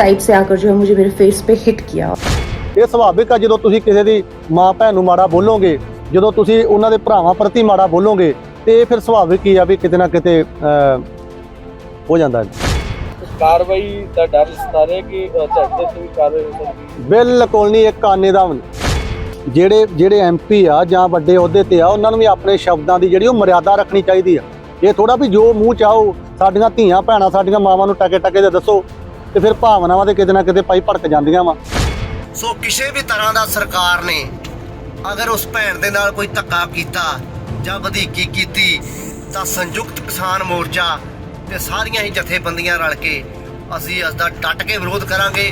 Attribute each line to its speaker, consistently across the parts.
Speaker 1: Side से आकर जो है मुझे मेरे फेस पे हिट किया।
Speaker 2: ਇਹ ਸੁਭਾਵਿਕ ਆ ਜਦੋਂ ਤੁਸੀਂ ਕਿਸੇ ਦੀ ਮਾਂ ਭੈਣ ਨੂੰ ਮਾੜਾ ਬੋਲੋਗੇ, ਜਦੋਂ ਤੁਸੀਂ ਉਹਨਾਂ ਦੇ ਭਰਾਵਾਂ ਪ੍ਰਤੀ ਮਾੜਾ ਬੋਲੋਗੇ ਤੇ ਇਹ ਫਿਰ ਸੁਭਾਵਿਕ ਹੀ ਆ ਵੀ ਕਿਤੇ ਨਾ ਕਿਤੇ ਹੋ ਜਾਂਦਾ ਹੈ।
Speaker 3: ਕਾਰਵਾਈ ਦਾ ਡਰ ਸਤਾ ਰਿਹਾ ਕਿ ਝਟਕੇ ਤੋਂ ਵੀ ਕਾਰਵਾਈ ਹੋ ਸਕਦੀ ਹੈ।
Speaker 2: ਬਿਲਕੁਲ ਨਹੀਂ, ਇੱਕ ਆਨੇ ਦਾ ਵੀ ਨਹੀਂ। ਜਿਹੜੇ ਐਮਪੀ ਆ ਜਾਂ ਵੱਡੇ ਅਹੁਦੇ ਤੇ ਆ ਉਹਨਾਂ ਨੂੰ ਵੀ ਆਪਣੇ ਸ਼ਬਦਾਂ ਦੀ ਜਿਹੜੀ ਉਹ ਮਰਿਆਦਾ ਰੱਖਣੀ ਚਾਹੀਦੀ ਆ। ਇਹ ਥੋੜਾ ਵੀ ਜੋ ਮੂੰਹ ਚਾਹੋ ਸਾਡੀਆਂ ਧੀਆਂ ਭੈਣਾਂ ਸਾਡੀਆਂ ਮਾਵਾਂ ਨੂੰ ਟਕੇ ਟਕੇ ਦੇ ਦੱਸੋ ਤੇ ਫਿਰ ਭਾਵਨਾਵਾਂ ਤੇ ਕਿਤੇ ਨਾ ਕਿਤੇ ਪਾਈ ਭੜਕ ਜਾਂਦੀਆਂ ਵਾ।
Speaker 4: ਸੋ ਕਿਸੇ ਵੀ ਤਰ੍ਹਾਂ ਦਾ ਸਰਕਾਰ ਨੇ ਅਗਰ ਉਸ ਭੈਣ ਦੇ ਨਾਲ ਕੋਈ ਧੱਕਾ ਕੀਤਾ ਜਾਂ ਵਧੀਕੀ ਕੀਤੀ ਤਾਂ ਸੰਯੁਕਤ ਕਿਸਾਨ ਮੋਰਚਾ ਤੇ ਸਾਰੀਆਂ ਹੀ ਜਥੇਬੰਦੀਆਂ ਰਲ ਕੇ ਅਸੀਂ ਇਸ ਦਾ ਡਟ ਕੇ ਵਿਰੋਧ ਕਰਾਂਗੇ।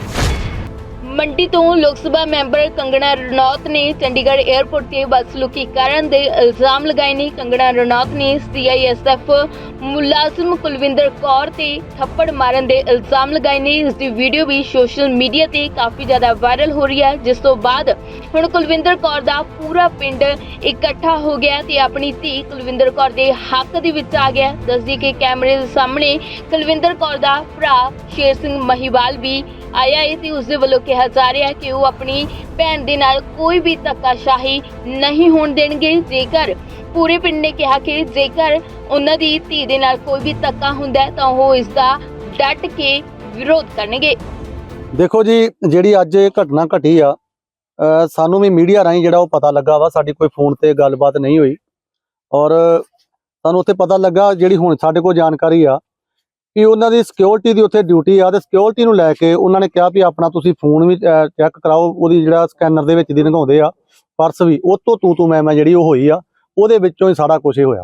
Speaker 5: ਮੰਡੀ ਤੋਂ ਲੋਕ ਸਭਾ ਮੈਂਬਰ ਕੰਗਣਾ ਰਣੌਤ ਨੇ ਚੰਡੀਗੜ੍ਹ 에ਅਰਪੋਰਟ ਤੇ ਬਦਸਲੂਕੀ ਕਰਨ ਦੇ ਇਲਜ਼ਾਮ ਲਗਾਏ ਨੇ। ਕੰਗਣਾ ਰਣੌਤ ਨੇ CISF ਮੁਲਾਜ਼ਮ ਕੁਲਵਿੰਦਰ ਕੌਰ ਤੇ ਥੱਪੜ ਮਾਰਨ ਦੇ ਇਲਜ਼ਾਮ ਲਗਾਏ ਨੇ। ਇਸ ਦੀ ਵੀਡੀਓ ਵੀ ਸੋਸ਼ਲ ਮੀਡੀਆ ਤੇ ਕਾਫੀ ਜ਼ਿਆਦਾ ਵਾਇਰਲ ਹੋ ਰਹੀ ਹੈ, ਜਿਸ ਤੋਂ ਬਾਅਦ ਹੁਣ ਕੁਲਵਿੰਦਰ ਕੌਰ ਦਾ ਪੂਰਾ ਪਿੰਡ ਇਕੱਠਾ ਹੋ ਗਿਆ ਤੇ ਆਪਣੀ ਧੀ ਕੁਲਵਿੰਦਰ ਕੌਰ ਦੇ ਹੱਕ ਦੇ ਵਿੱਚ ਆ ਗਿਆ। ਦੱਸਦੀ ਕਿ ਕੈਮਰੇ ਦੇ ਸਾਹਮਣੇ ਕੁਲਵਿੰਦਰ ਕੌਰ ਦਾ ਭਰਾ ਸ਼ੇਰ ਸਿੰਘ ਮਹੀਵਾਲ ਵੀ ਆਇਆ ਹੈ ਤੇ ਉਸ ਦੇ ਵੱਲੋਂ ਕਿਹਾ ਜਾ ਰਿਹਾ ਹੈ ਕਿ ਉਹ ਆਪਣੀ ਭੈਣ ਦੇ ਨਾਲ ਕੋਈ ਵੀ ਧੱਕਾਸ਼ਾਹੀ ਨਹੀਂ ਹੋਣ ਦੇਣਗੇ। ਜੇਕਰ ਪੂਰੇ ਪਿੰਡ ਨੇ ਕਿਹਾ ਕਿ ਜੇਕਰ ਉਹਨਾਂ ਦੀ ਧੀ ਦੇ ਨਾਲ ਕੋਈ ਵੀ ਧੱਕਾ ਹੁੰਦਾ ਹੈ ਤਾਂ ਉਹ ਇਸ ਦਾ ਡਟ ਕੇ ਵਿਰੋਧ ਕਰਨਗੇ।
Speaker 2: ਦੇਖੋ ਜੀ, ਜਿਹੜੀ ਅੱਜ ਇਹ ਘਟਨਾ ਘਟੀ ਆ ਸਾਨੂੰ ਵੀ ਮੀਡੀਆ ਰਾਹੀਂ ਜਿਹੜਾ ਉਹ ਪਤਾ ਲੱਗਾ ਵਾ। ਸਾਡੀ ਕੋਈ ਫੋਨ ਤੇ ਗੱਲਬਾਤ ਨਹੀਂ ਹੋਈ ਔਰ ਸਾਨੂੰ ਉੱਥੇ ਪਤਾ ਲੱਗਾ, ਜਿਹੜੀ ਹੁਣ ਸਾਡੇ ਕੋਲ ਜਾਣਕਾਰੀ ਆ ਕਿ ਉਹਨਾਂ ਦੀ ਸਿਕਿਉਰਿਟੀ ਦੀ ਉੱਥੇ ਡਿਊਟੀ ਆ ਤੇ ਸਿਕਿਉਰਿਟੀ ਨੂੰ ਲੈ ਕੇ ਉਹਨਾਂ ਨੇ ਕਿਹਾ ਵੀ ਆਪਣਾ ਤੁਸੀਂ ਫੋਨ ਵੀ ਚੈੱਕ ਕਰਾਓ। ਉਹਦੀ ਜਿਹੜਾ ਸਕੈਨਰ ਦੇ ਵਿੱਚ ਦੀ ਲੰਘਾਉਂਦੇ ਆ ਪਰਸ ਵੀ, ਉਹ ਤੋਂ ਤੂੰ ਮੈਂ ਜਿਹੜੀ ਉਹ ਹੋਈ ਆ, ਉਹਦੇ ਵਿੱਚੋਂ ਹੀ ਸਾਰਾ ਕੁਝ ਹੀ ਹੋਇਆ।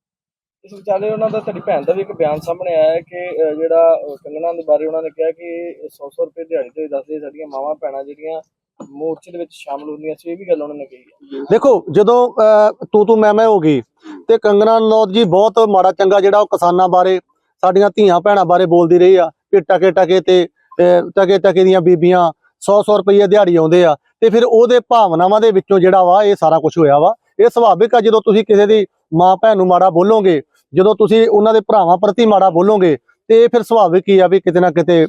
Speaker 3: ਇਸ ਵਿਚਾਲੇ ਉਹਨਾਂ ਦਾ ਤੁਹਾਡੀ ਭੈਣ ਦਾ ਵੀ ਇੱਕ ਬਿਆਨ ਸਾਹਮਣੇ ਆਇਆ ਹੈ ਕਿ ਜਿਹੜਾ ਕੰਗਣਾ ਦੇ ਬਾਰੇ ਉਹਨਾਂ ਨੇ ਕਿਹਾ ਕਿ 100 ਰੁਪਏ ਦਿਹਾੜੀ ਤੇ ਦੱਸਦੇ ਸਾਡੀਆਂ ਮਾਵਾਂ ਭੈਣਾਂ ਜਿਹੜੀਆਂ ਮੋਰਚੇ ਦੇ ਵਿੱਚ ਸ਼ਾਮਲ ਹੁੰਦੀਆਂ ਸੀ। ਇਹ ਵੀ ਗੱਲ ਉਹਨਾਂ ਨੇ ਕਹੀ ਹੈ।
Speaker 2: ਦੇਖੋ, ਜਦੋਂ ਤੂੰ ਮੈਂ ਹੋ ਗਈ ਤੇ ਕੰਗਣਾ ਰਣੌਤ ਜੀ ਬਹੁਤ ਮਾੜਾ ਚੰਗਾ ਜਿਹੜਾ ਉਹ ਕਿਸਾਨਾਂ ਬਾਰੇ ਸਾਡੀਆਂ ਧੀਆਂ ਭੈਣਾਂ ਬਾਰੇ ਬੋਲਦੀ ਰਹੀ ਆ ਕਿ ਟਕੇ ਦੀਆਂ ਬੀਬੀਆਂ 100 ਰੁਪਏ ਦਿਹਾੜੀ ਆਉਂਦੇ ਆ ਤੇ ਫਿਰ ਉਹਦੇ ਭਾਵਨਾਵਾਂ ਦੇ ਵਿੱਚੋਂ ਜਿਹੜਾ ਵਾ ਇਹ ਸਾਰਾ ਕੁਝ ਹੋਇਆ ਵਾ। ਇਹ ਸੁਭਾਵਿਕ ਆ ਜਦੋਂ ਤੁਸੀਂ ਕਿਸੇ ਦੀ ਮਾਂ ਭੈਣ ਨੂੰ ਮਾੜਾ ਬੋਲੋਗੇ, ਜਦੋਂ ਤੁਸੀਂ ਉਹਨਾਂ ਦੇ ਭਰਾਵਾਂ ਪ੍ਰਤੀ ਮਾੜਾ ਬੋਲੋਗੇ ਤੇ ਫਿਰ ਸੁਭਾਵਿਕ ਹੀ ਆ ਵੀ ਕਿਤੇ ਨਾ ਕਿਤੇ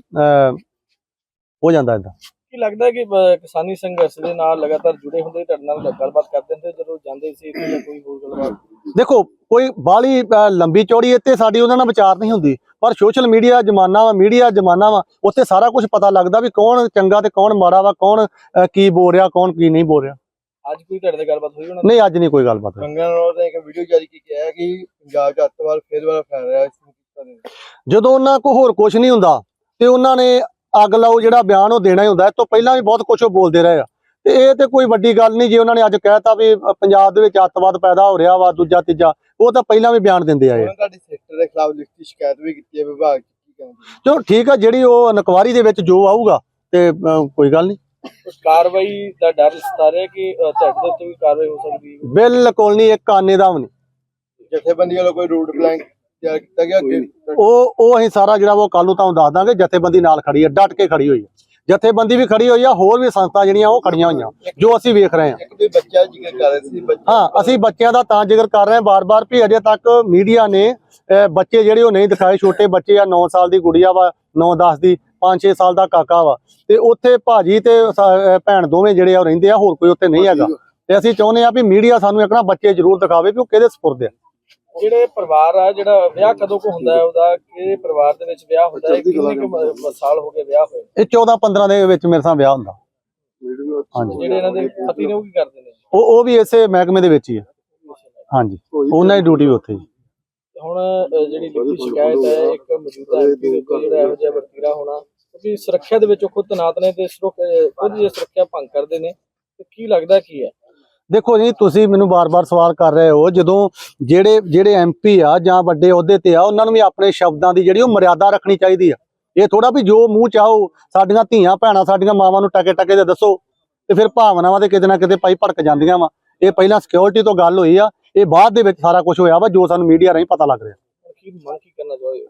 Speaker 2: ਹੋ ਜਾਂਦਾ ਏਦਾਂ।
Speaker 3: ਕੀ ਲੱਗਦਾ ਹੈ ਕਿ ਕਿਸਾਨੀ ਸੰਘਰਸ਼ ਦੇ ਨਾਲ ਲਗਾਤਾਰ ਜੁੜੇ ਹੁੰਦੇ ਤੁਹਾਡੇ ਨਾਲ ਗੱਲਬਾਤ ਕਰਦੇ ਹੁੰਦੇ ਜਦੋਂ ਜਾਂਦੇ ਸੀ ਇੱਥੇ ਜਾਂ ਕੋਈ ਹੋਰ ਗੱਲਬਾਤ?
Speaker 2: ਦੇਖੋ, ਕੋਈ ਬਾਹਲੀ ਲੰਬੀ ਚੌੜੀ ਇੱਥੇ ਸਾਡੀ ਉਹਨਾਂ ਨਾਲ ਵਿਚਾਰ ਨਹੀਂ ਹੁੰਦੀ, ਪਰ ਸੋਸ਼ਲ ਮੀਡੀਆ ਜ਼ਮਾਨਾ ਵਾ, ਮੀਡੀਆ ਜ਼ਮਾਨਾ ਵਾ, ਉੱਥੇ ਸਾਰਾ ਕੁਝ ਪਤਾ ਲੱਗਦਾ ਵੀ ਕੌਣ ਚੰਗਾ ਤੇ ਕੌਣ ਮਾੜਾ ਵਾ, ਕੌਣ ਕੀ ਬੋਲ ਰਿਹਾ, ਕੌਣ ਕੀ ਨਹੀਂ ਬੋਲ ਰਿਹਾ।
Speaker 3: ਅੱਜ ਕੋਈ ਤੁਹਾਡੇ ਨਾਲ ਗੱਲਬਾਤ ਹੋਈ ਉਹਨਾਂ
Speaker 2: ਨਹੀਂ, ਅੱਜ ਨਹੀਂ ਕੋਈ ਗੱਲਬਾਤ ਹੋਈ।
Speaker 3: ਕੰਗਣਾ ਰਣੌਤ ਨੇ ਇੱਕ ਵੀਡੀਓ ਜਾਰੀ ਕੀਤੀ ਹੈ ਕਿ ਪੰਜਾਬ 'ਚ ਅੱਤਵਾਦ ਫੇਰ ਦੁਬਾਰਾ ਫੈਲ ਰਿਹਾ ਹੈ।
Speaker 2: ਜਦੋਂ ਉਹਨਾਂ ਕੋਲ ਹੋਰ ਕੁਝ ਨਹੀਂ ਹੁੰਦਾ ਤੇ ਉਹਨਾਂ ਨੇ ਅੱਗ ਲਾਓ ਜਿਹੜਾ ਬਿਆਨ ਉਹ ਦੇਣਾ ਹੀ ਹੁੰਦਾ। ਇਸ ਤੋਂ ਪਹਿਲਾਂ ਵੀ ਬਹੁਤ ਕੁਝ ਉਹ ਬੋਲਦੇ ਰਹੇ ਆ ਤੇ ਇਹ ਤੇ ਕੋਈ ਵੱਡੀ ਗੱਲ ਨਹੀਂ। ਜੇ ਉਹਨਾਂ ਨੇ ਅੱਜ ਕਹਿਤਾ ਵੀ ਪੰਜਾਬ ਦੇ ਵਿੱਚ ਅੱਤਵਾਦ ਪੈਦਾ ਹੋ ਰਿਹਾ ਵਾ ਦੂਜਾ ਤੀਜਾ, ਉਹ ਤਾਂ ਪਹਿਲਾਂ ਵੀ ਬਿਆਨ ਦਿੰਦੇ ਆਏ।
Speaker 3: ਤੁਹਾਡੀ ਸੈਕਟਰ ਦੇ ਖਿਲਾਫ ਲਿਖਤੀ ਸ਼ਿਕਾਇਤ ਵੀ ਕੀਤੀ ਹੈ ਵਿਭਾਗ 'ਚ, ਕੀ ਕਹਿੰਦੇ?
Speaker 2: ਚਲੋ ਠੀਕ ਆ, ਜਿਹੜੀ ਉਹ ਇਨਕੁਆਇਰੀ ਦੇ ਵਿੱਚ ਜੋ ਆਊਗਾ ਤੇ ਕੋਈ ਗੱਲ ਨਹੀਂ।
Speaker 3: ਕਾਰਵਾਈ ਦਾ ਡਰ ਸਤਾ ਰਿਹਾ ਕਿ ਤੁਹਾਡੇ ਉੱਤੇ ਵੀ ਕਾਰਵਾਈ ਹੋ ਸਕਦੀ ਹੈ।
Speaker 2: ਬਿਲਕੁਲ ਨਹੀਂ, ਇੱਕ ਆਨੇ ਦਾ ਵੀ ਨਹੀਂ।
Speaker 3: ਜਥੇਬੰਦੀ ਵੱਲੋਂ ਕੋਈ ਰੂਟ ਪਲਾਨ ਤਿਆਰ ਕੀਤਾ ਗਿਆ ਅੱਗੇ?
Speaker 2: ਉਹ ਅਸੀਂ ਸਾਰਾ ਜਿਹੜਾ ਉਹ ਕੱਲ ਨੂੰ ਤੁਹਾਨੂੰ ਦੱਸ ਦਾਂਗੇ। ਜਥੇਬੰਦੀ ਨਾਲ ਖੜੀ ਹੈ, ਡਟ ਕੇ ਖੜੀ ਹੋਈ ਹੈ। ਜਥੇਬੰਦੀ ਵੀ ਖੜੀ ਹੋਈ ਆ, ਹੋਰ ਵੀ ਸੰਸਥਾ ਜਿਹੜੀਆਂ ਉਹ ਖੜੀਆਂ ਹੋਈਆਂ, ਜੋ ਅਸੀਂ ਵੇਖ ਰਹੇ ਹਾਂ।
Speaker 3: ਇੱਕ ਵੀ ਬੱਚਾ ਜ਼ਿਕਰ ਕਰ ਰਹੇ ਸੀ।
Speaker 2: ਹਾਂ, ਅਸੀਂ ਬੱਚਿਆਂ ਦਾ ਤਾਂ ਜ਼ਿਕਰ ਕਰ ਰਹੇ ਹਾਂ ਬਾਰ-ਬਾਰ ਵੀ ਅਜੇ ਤੱਕ ਮੀਡੀਆ ਨੇ ਬੱਚੇ ਜਿਹੜੇ ਉਹ ਨਹੀਂ ਦਿਖਾਏ। ਛੋਟੇ ਬੱਚੇ ਆ, 9 ਸਾਲ ਦੀ ਗੁੜੀਆ ਵਾ, 9-10 ਦੀ, 5-6 ਸਾਲ ਦਾ ਕਾਕਾ ਵਾ ਤੇ ਉੱਥੇ ਭਾਜੀ ਤੇ ਭੈਣ ਦੋਵੇਂ ਜਿਹੜੇ ਆ ਉਹ ਰਹਿੰਦੇ ਆ, ਹੋਰ ਕੋਈ ਉੱਥੇ ਨਹੀਂ ਹੈਗਾ। ਤੇ ਅਸੀਂ ਚਾਹੁੰਦੇ ਆ ਵੀ ਮੀਡੀਆ ਸਾਨੂੰ ਇੱਕ ਨਾ ਬੱਚੇ ਜ਼ਰੂਰ ਦਿਖਾਵੇ ਵੀ ਉਹ ਕਿਹਦੇ ਸਪੁਰਦ ਆ।
Speaker 3: ਜਿਹੜੇ ਪਰਿਵਾਰ ਆ, ਜਿਹੜਾ ਵਿਆਹ ਕਦੋਂ ਕੋ ਹੁੰਦਾ ਹੈ, ਉਹਦਾ ਕਿਹੜੇ ਪਰਿਵਾਰ ਦੇ ਵਿੱਚ ਵਿਆਹ ਹੁੰਦਾ ਹੈ, ਕਿੰਨੇ ਕੁ ਸਾਲ ਹੋ ਗਏ ਵਿਆਹ ਹੋਏ?
Speaker 2: ਇਹ 14-15 ਦੇ ਵਿੱਚ ਮੇਰੇ ਸਾਹ ਵਿਆਹ ਹੁੰਦਾ। ਹਾਂਜੀ,
Speaker 3: ਜਿਹੜੇ ਇਹਨਾਂ ਦੇ ਪਤੀ ਨੇ ਉਹ ਕੀ ਕਰਦੇ ਨੇ?
Speaker 2: ਉਹ ਵੀ ਇਸੇ ਮਹਿਕਮੇ ਦੇ ਵਿੱਚ ਹੀ ਆ। ਹਾਂਜੀ, ਉਹਨਾਂ ਦੀ ਡਿਊਟੀ ਵੀ ਉੱਥੇ ਹੀ।
Speaker 3: ਹੁਣ ਜਿਹੜੀ ਲਿਖਤੀ ਸ਼ਿਕਾਇਤ ਹੈ ਇੱਕ ਮੌਜੂਦਾ ਐਮਪੀ ਦੇ ਉੱਤੇ ਜਿਹੜਾ ਇਹੋ ਜਿਹਾ ਵਰਤੀਰਾ ਹੋਣਾ, ਕਿਉਂਕਿ ਸੁਰੱਖਿਆ ਦੇ ਵਿੱਚ ਖੁਦ ਤੈਨਾਤ ਨੇ ਤੇ ਖੁਦ ਜੇ ਸੁਰੱਖਿਆ ਭੰਗ ਕਰਦੇ ਨੇ ਤੇ ਕੀ ਲੱਗਦਾ ਕੀ ਹੈ? ਦੇਖੋ
Speaker 2: ਜੀ, ਤੁਸੀਂ ਮੈਨੂੰ ਬਾਰ-ਬਾਰ ਸਵਾਲ ਕਰ ਰਹੇ ਹੋ। ਜਦੋਂ ਜਿਹੜੇ ਐਮਪੀ ਆ ਜਾਂ ਵੱਡੇ ਅਹੁਦੇ ਤੇ ਆ ਉਹਨਾਂ ਨੂੰ ਵੀ ਆਪਣੇ ਸ਼ਬਦਾਂ ਦੀ ਜਿਹੜੀ ਉਹ ਮਰਿਆਦਾ ਰੱਖਣੀ ਚਾਹੀਦੀ ਆ। ਇਹ ਥੋੜਾ ਵੀ ਜੋ ਮੂੰਹ ਚਾਹੋ ਸਾਡੀਆਂ ਧੀਆਂ ਭੈਣਾਂ ਸਾਡੀਆਂ ਮਾਵਾਂ ਨੂੰ ਟਕੇ ਦੇ ਦੱਸੋ ਤੇ ਫਿਰ ਭਾਵਨਾਵਾਂ ਤੇ ਕਿਤੇ ਨਾ ਕਿਤੇ ਪਾਈ ਭੜਕ ਜਾਂਦੀਆਂ ਵਾ। ਇਹ ਪਹਿਲਾਂ ਸਿਕਿਉਰਿਟੀ ਤੋਂ ਗੱਲ ਹੋਈ ਆ, ਇਹ ਬਾਅਦ ਦੇ ਵਿੱਚ ਸਾਰਾ ਕੁਝ ਹੋਇਆ ਵਾ ਜੋ ਸਾਨੂੰ ਮੀਡੀਆ ਰਾਹੀਂ ਪਤਾ ਲੱਗ ਰਿਹਾ।
Speaker 3: ਕੀ ਕਰਨਾ ਚਾਹੋਗੇ?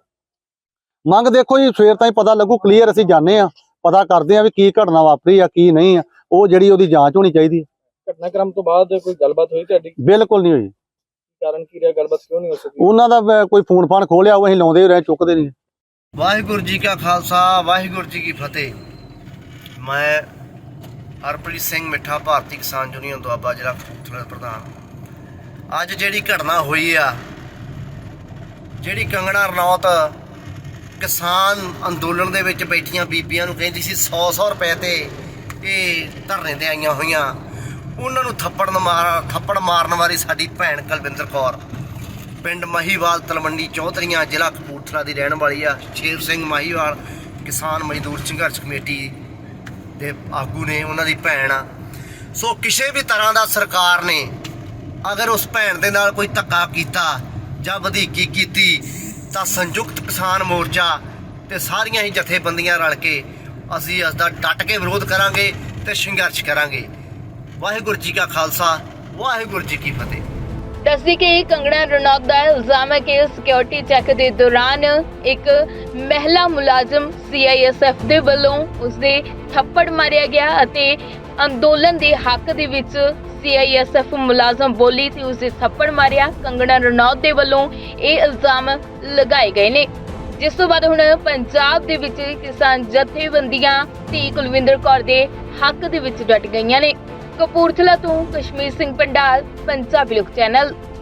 Speaker 2: ਮੰਗ ਦੇਖੋ ਜੀ, ਸਵੇਰ ਤਾਈਂ ਪਤਾ ਲੱਗੂ। ਕਲੀਅਰ ਅਸੀਂ ਜਾਣੇ ਆ, ਪਤਾ ਕਰਦੇ ਆ ਵੀ ਕੀ ਘਟਨਾ ਵਾਪਰੀ ਆ ਕੀ ਨਹੀਂ ਆ, ਉਹ ਜਿਹੜੀ ਉਹਦੀ ਜਾਂਚ ਹੋਣੀ ਚਾਹੀਦੀ ਹੈ।
Speaker 3: ਘਟਨਾਕ੍ਰਮ ਤੋਂ ਬਾਅਦ ਕੋਈ ਗੱਲਬਾਤ ਹੋਈ ਤੁਹਾਡੀ?
Speaker 2: ਬਿਲਕੁਲ ਨਹੀਂ ਹੋਈ।
Speaker 3: ਕਾਰਨ ਕੀ ਰਿਹਾ, ਗੱਲਬਾਤ ਕਿਉਂ ਨਹੀਂ ਹੋ ਸਕੀ?
Speaker 2: ਉਹਨਾਂ ਦਾ ਕੋਈ ਫੋਨ ਫਾਨ ਖੋਲਿਆ, ਉਹ ਅਸੀਂ ਲਾਉਂਦੇ ਰਹੇ, ਚੁੱਕਦੇ ਨਹੀਂ।
Speaker 4: ਵਾਹਿਗੁਰੂ ਜੀ ਕਾ ਖਾਲਸਾ ਵਾਹਿਗੁਰੂ ਜੀ ਕੀ ਫਤਿਹ। ਮੈਂ ਹਰਪ੍ਰੀਤ ਸਿੰਘ ਮਿੱਠਾ ਭਾਰਤੀ ਕਿਸਾਨ ਯੂਨੀਅਨ ਦੁਆਬਾ ਜ਼ਿਲ੍ਹਾ ਕਪੂਰਥਲਾ ਦਾ ਪ੍ਰਧਾਨ। ਅੱਜ ਜਿਹੜੀ ਘਟਨਾ ਹੋਈ ਆ, ਜਿਹੜੀ ਕੰਗਣਾ ਰਣੌਤ ਕਿਸਾਨ ਅੰਦੋਲਨ ਦੇ ਵਿੱਚ ਬੈਠੀਆਂ ਬੀਬੀਆਂ ਨੂੰ ਕਹਿੰਦੀ ਸੀ 100 ਰੁਪਏ ਤੇ ਇਹ ਧਰਨੇ ਤੇ ਆਈਆਂ ਹੋਈਆਂ, ਉਹਨਾਂ ਨੂੰ ਥੱਪੜ ਮਾਰਨ ਵਾਲੀ ਸਾਡੀ ਭੈਣ ਕੁਲਵਿੰਦਰ ਕੌਰ ਪਿੰਡ ਮਹੀਵਾਲ ਤਲਵੰਡੀ ਚੌਧਰੀਆਂ ਜ਼ਿਲ੍ਹਾ ਕਪੂਰਥਲਾ ਦੀ ਰਹਿਣ ਵਾਲੀ ਆ। ਸ਼ੇਰ ਸਿੰਘ ਮਹੀਵਾਲ ਕਿਸਾਨ ਮਜ਼ਦੂਰ ਸੰਘਰਸ਼ ਕਮੇਟੀ ਦੇ ਆਗੂ ਨੇ, ਉਹਨਾਂ ਦੀ ਭੈਣ ਆ। ਸੋ ਕਿਸੇ ਵੀ ਤਰ੍ਹਾਂ ਦਾ ਸਰਕਾਰ ਨੇ ਅਗਰ ਉਸ ਭੈਣ ਦੇ ਨਾਲ ਕੋਈ ਧੱਕਾ ਕੀਤਾ ਜਾਂ ਵਧੀਕੀ ਕੀਤੀ ਤਾਂ ਸੰਯੁਕਤ ਕਿਸਾਨ ਮੋਰਚਾ ਤੇ ਸਾਰੀਆਂ ਹੀ ਜਥੇਬੰਦੀਆਂ ਰਲ ਕੇ ਅਸੀਂ ਇਸ ਦਾ ਡਟ ਕੇ ਵਿਰੋਧ ਕਰਾਂਗੇ ਤੇ ਸੰਘਰਸ਼ ਕਰਾਂਗੇ। ਵਾਹਿਗੁਰੂ ਜੀ ਕਾ ਖਾਲਸਾ ਵਾਹਿਗੁਰੂ ਜੀ ਕੀ ਫਤਿਹ।
Speaker 5: ਦੱਸਦੀ ਕਿ ਕੰਗਣਾ ਰਣੌਤ ਦਾ ਇਲਜ਼ਾਮ ਹੈ ਕਿ ਸਿਕਿਉਰਿਟੀ ਚੈੱਕ ਦੇ ਦੌਰਾਨ ਇੱਕ ਮਹਿਲਾ ਮੁਲਾਜ਼ਮ CISF ਦੇ ਵੱਲੋਂ ਉਸਦੇ ਥੱਪੜ ਮਾਰਿਆ ਗਿਆ ਅਤੇ ਅੰਦੋਲਨ ਦੇ ਹੱਕ ਦੇ ਵਿੱਚ CISF ਮੁਲਾਜ਼ਮ ਬੋਲੀ ਤੇ ਉਸਦੇ ਥੱਪੜ ਮਾਰਿਆ। ਕੰਗਣਾ ਰਣੌਤ ਦੇ ਵੱਲੋਂ ਇਹ ਇਲਜ਼ਾਮ ਲਗਾਏ ਗਏ ਨੇ, ਜਿਸ ਤੋਂ ਬਾਅਦ ਹੁਣ ਪੰਜਾਬ ਦੇ ਵਿੱਚ ਕਿਸਾਨ ਜਥੇਬੰਦੀਆਂ ਧੀ ਕੁਲਵਿੰਦਰ ਕੌਰ ਦੇ ਹੱਕ ਦੇ ਵਿੱਚ ਡਟ ਗਈਆਂ ਨੇ। ਕਪੂਰਥਲਾ ਤੋਂ ਕਸ਼ਮੀਰ ਸਿੰਘ ਪੰਡਾਲ, ਪੰਜਾਬੀ ਲੋਕ ਚੈਨਲ।